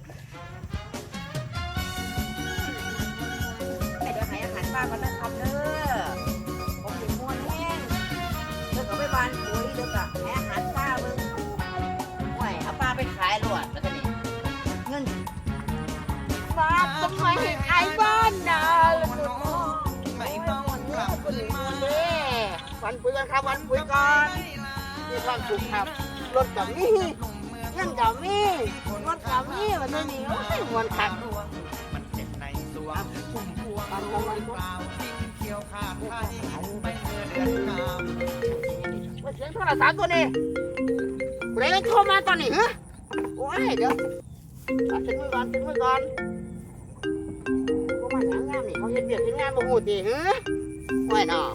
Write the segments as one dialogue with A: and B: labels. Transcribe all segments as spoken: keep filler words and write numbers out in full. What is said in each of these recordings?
A: เดี๋ยวให้อาหารป้าก่อนนะครับเด้อผมถึงม้วนแห้งเดี๋ยวก็ไปบานปุ๋ยเดี๋ยวก็ให้อาหารป้าเบิ่งโอ้ยเอาป้าไปขายหลวดแล้วก็นี่เงินป้าทำไมให้ขายบ้านนะไม่ต้องขับเลยวันปุ๋ยกันครับวันปุ๋ยก่อนมีความสุขครับรถกับนี่เงินกับนี่รถกับนี่วันนี้โอ้ยมวนขับมันเจ็บในตัวพุ่มพวงตอนวันเปล่าทิ้งเขียวขาดไทยไปเกิดเดือนงามเสียงโทรศัพท์ตัวนี้เร่งเข้ามาตอนนี้ฮะโอ้ยเดี๋ยวถึงมือก่อนถึงมือก่อนพวกมันงามงามนี่เขาเห็นเบียดเห็นงานบ่หูดีฮะโอ้ยเนาะ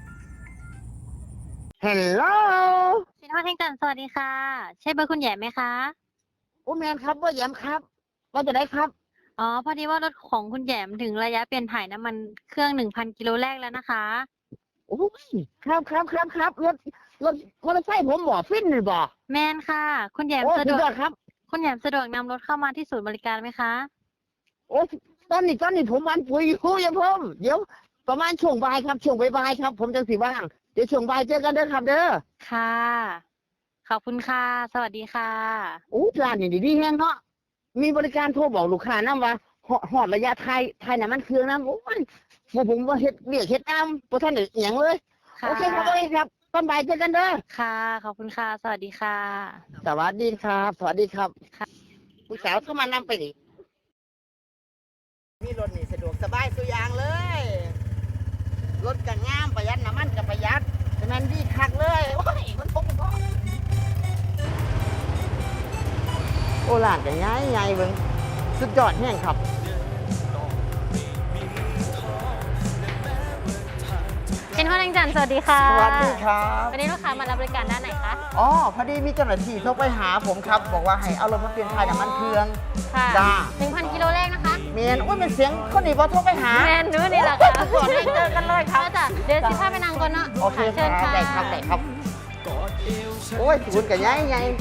A: ฮัลโหล
B: ชินวัฒน์แห่งจันทร์สวัสดีค่ะใช่เบอร์คุณแหย่มไหมคะ
A: โอ้แมนครับว่าแยมครับว่าจะได้ครับ
B: อ๋อพอดีว่ารถของคุณแหย่มถึงระยะเปลี่ยนถ่ายน้ำมันเครื่องหนึ่งพันกิโลแรกแล้วนะคะ
A: โอ้ยครับครับครับครับรถรถมอเตอร์ไซค์ผมบ่ฟินเลยบ่
B: แมนค่ะคุณแหย่มสะดวกครับคุณแหย่มสะดวกนำรถเข้ามาที่ศูนย์บริการไหมคะ
A: โอ้ตอนนี้ตอนนี้ผมวันปุ๋ยอยู่อย่าเพิ่มเดี๋ยวประมาณช่วงบ่ายครับช่วงบ่ายครับผมจะสิว่างเดี๋ยวช่วงบ่ายเจอกันเด้อครับเด้อ
B: ค่ะขอบคุณค่ะสวัสดีค่ะ
A: โอ้ร้านนี่ดีๆแฮงเนาะมีบริการโทรบอกลูกค้านำว่าฮอดระยะไทยไทยน่ะมันเครื่องนำโอ้ยผมว่าเฮ็ดเรียกเฮ็ดตามบ่ทันได้อิหยังเลยโอเคครับโอเคครับตอนบ่ายเจอกันเด้อ
B: ค่ะขอบคุณค่ะสวัสดีค่ะ
A: สวัสดีครับสวัสดีครับค่ะผู้สาวเข้ามานำไปดิมีรถนี่สะดวกสบายสุดอย่างเลยรถก็งามประหยัดน้ำมันก็ประหยัดฉะนั้นดีคักเลยโอ้ยมันพกมันพกโอ้หลานกันง่ายง่ายเบิ่งสุดยอดแห้งครับ
B: ชินวัฒน์แห่งจันทร์สวัสดีค่ะ
A: สวัสดีครับ
B: วันนี้ลูกค้ามารับบริการด้านไหนคะ
A: อ๋อพอดีมีเจ้าหน้าที่โทรไปหาผมครับบอกว่าให้เอารถมาเปลี่ยนถ่ายน้ำมันเครื่อง
B: ค่ะจ้าหนึ่งพันกิโลแรกนะคะ
A: เมียนโอ้ยเป็นเสียงคนนี้พอโทรไปหา
B: แมนนู้นี่แหละค่ะ
A: ก่อนให้เจอกันเลยครับ
B: จ้ะเดี๋ยวสิพาไปนั่งก่อนเนาะ
A: โอเคเชิญค่ะได้ครับได้ครับโอ้ยคุณกับยัยยัย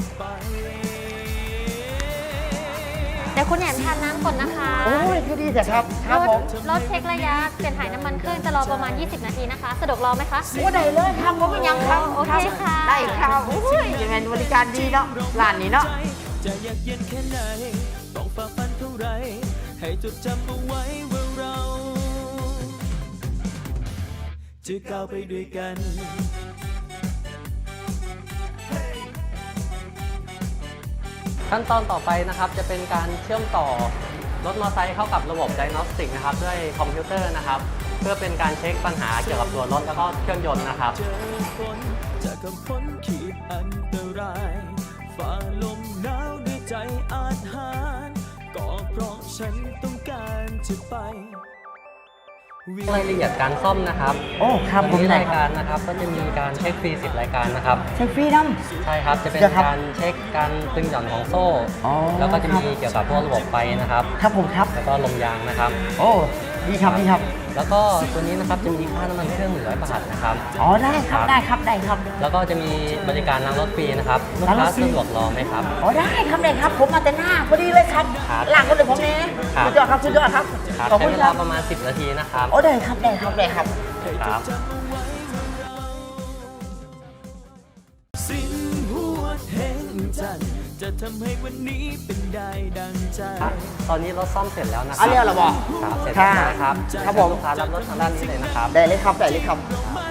B: เดี๋ยวคุณแหนมทานน้ำก่อนนะคะ
A: โอ้ยคือดีจ้ะครับครับผม
B: รถเช็คระยะเปลี่ยนถ่ายน้ำมันเครื่องจะรอประมาณยี่สิบนาทีนะคะสะดวกรอไหมคะ
A: โอ้ได้เลยครับผมไม่ยังครับ
B: โอเคค่ะ
A: ได้ครับโอ้ยยังไงบริการดีเนาะร้านนี้เนาะ
C: จะอยากเย็นแค่ไหนต้องฝ่าฟันเท่าไรให้จดจำเอาไว้ว่าเราจะก้าวไปด้วยกัน
D: ขั้นตอนต่อไปนะครับจะเป็นการเชื่อมต่อรถมอเตอร์ไซค์เข้ากับระบบ Diagnostic นะครับด้วยคอมพิวเตอร์นะครับเพื่อเป็นการเช็คปัญหาเกี่ยวกับตัวรถแล้วก็เครื่องยนต์นะครับ
C: เจอฝนจะกำพ้นขีดอันตรายฝ่าลมหนาวด้วยใจอาจหารก็เพราะฉันต้องการจะไป
D: รายละเอียดการซ่อมนะครับ
A: โอ้ครับ
D: ผมรายการนะครับก็จะมีการเช็คฟรีสิบรายการนะครับ
A: เช็คฟรีน้
D: ำใช่ครับจะเป็นการเช็คการตึงหย่อนของโซ่แล้วก็จะมีเกี่ยวกับพวกระบบไฟนะครับ
A: ครับผมครับ
D: แล้วก็ลมยางนะครับ
A: โอ้ดีครับดีครับ
D: แล้วก็ตัวนี้นะครับจะมีค่าน้ำมันเครื่องหนึ่งร้อยบาทนะครับ
A: อ๋อได้ครับได้ครับได้ครับ
D: แล้วก็จะมีบริการล้างรถฟรีนะครับลูกค้าสะดวกรอไหมครับ
A: อ๋อได้ครับได้ครับผมมาแต่หน้าพอดีเลยครับหลังคนเลยผมนี่สุดยอดครับสุดยอดครับ
D: ขอบคุณครับประมาณสิบนาทีนะครับ
A: โอ้ได้ครับได้ครับได้ครับ
D: ครับ
C: สิ้นหัวแห่งจันทร์จะทำให้วันนี้เป็นได้ดังใจ
D: ตอนนี้รถซ่อมเสร็จแล้วนะครั
A: บอันนี้เหรอบอก
D: ครับเสร็จแล้วนะครับ
A: ครับผม
D: ลูกค้ารับรถทางด้านนี้เลยนะครับ
A: ได้เลยครับได้เลยครับ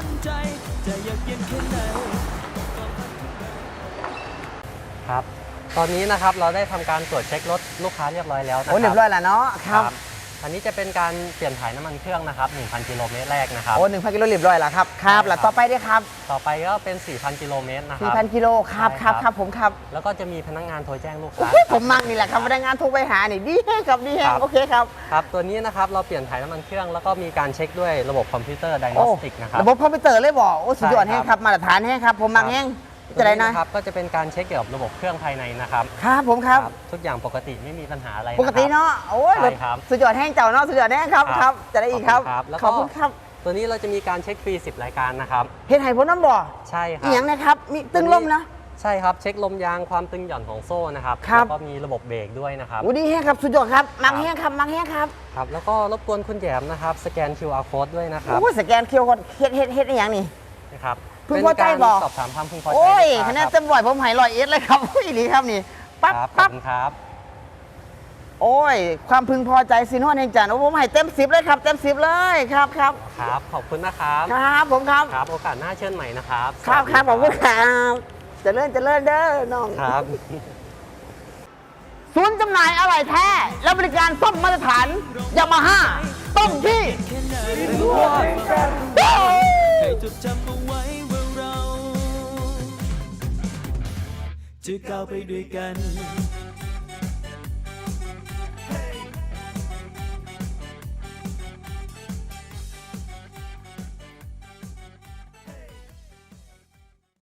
D: ครับตอนนี้นะครับเราได้ทำการตรวจเช็ครถลูกค้าเรียบร้อยแล้วนะครับ
A: โอ้เรียบร้อยแล้วเนาะครับ
D: อันนี้จะเป็นการเปลี่ยนถ่ายน้ำมันเครื่องนะครับ หนึ่งพัน กิโลเมตรแรกนะครับ
A: โอ้ หนึ่งพัน กิโลเรียบร้อยแล้วครับครับแล้วต่อไปด้วยครับ
D: ต่อไปก็เป็น สี่พัน กิโลเมตรนะครับ
A: สี่พัน กิโลครับครับครับผมครับ
D: แล้วก็จะมีพนักงานโทรแจ้งลูกค้า
A: ผมมักนี่แหละครับพนักงานโทรไปหานี่ดีแฮงครับดีแฮงโอเคครับ
D: ครับตัวนี้นะครับเราเปลี่ยนถ่ายน้ำมันเครื่องแล้วก็มีการเช็คด้วยระบบคอมพิวเตอร์ Diagnostic นะครับ
A: ระบบคอมพิวเตอร์เลยบอกโอ้สุดยอดแฮงครับมาตรฐานแฮงครับผมมักแฮงจะได้นะครับ
D: ก็จะเป็นการเช็คเกี่ยวกับระบบเครื่องภายในนะครับ
A: ครับผมครับ
D: ทุกอย่างปกติไม่มีปัญหาอะไร
A: ปกติเนาะโอ้ยสุดยอดแห้งเจ้าเนาะสุดยอดแห้งครับครับจะได้อีกครับขอบคุณครับ
D: ตัวนี้เราจะมีการเช็คฟรีสิบรายการนะครับ
A: เฮ็ดให้พ้นน้ำบ่อ
D: ใช่ครับ
A: อีหยังนะครับมีตึ้งลมนะ
D: ใช่ครับเช็คลมยางความตึงหย่อนของโซ่นะครับ
E: ครับ
D: แล้วก็มีระบบเบรกด้วยนะครับ
E: โอ้ดีแห้งครับสุดยอดครับมังแห้งครับมังแห้งครับ
D: ครับแล้วก็รบกวนคุณแหยมนะครับสแกน คิว อาร์ code ด้วยนะครับ
E: โอ้ยสแกนเคียวก่อนเฮ็ดเฮ็ดเฮ็ดอหย่างนี้
D: นะครับ
E: พึงพอใจ
D: เป็น
E: บ่
D: การสอบถามความพึงพอใจ
E: โอ้ย
D: ลูก
E: คะแน
D: ค้าน
E: เต็มร้อยผมให้ร้อยเอ็ดเลยครับ อุ้ยดีครับนี่
D: ค
E: ปั๊บ
D: รับขอบ
E: ปั๊บ
D: คุณครับ
E: โอ้ย ความพึงพอใจสินวดแห่งจันทร์โอ้ผมให้เต็มสิบเลยครับ เต็มสิบเลยครับครับ
D: ครับ ขอบคุณนะครับ
E: ครับผมครับ
D: ครับ โอกาสหน้าเชิญใหม่นะครับ
E: ครับ
D: สวัสดี
E: ครับขอบคุณครับเจริญเจริญเด้อน้อง
D: ครับ
E: ศูนย์จำหน่ายอะไหล่แท้ และบริการซ่อมมาตรฐานยามาฮ่าต้องที่
C: แค่ไหน
E: โอ้ย
C: ให้จดจำเอาไว้ว่าเรา จะก้าวไปด้วยกัน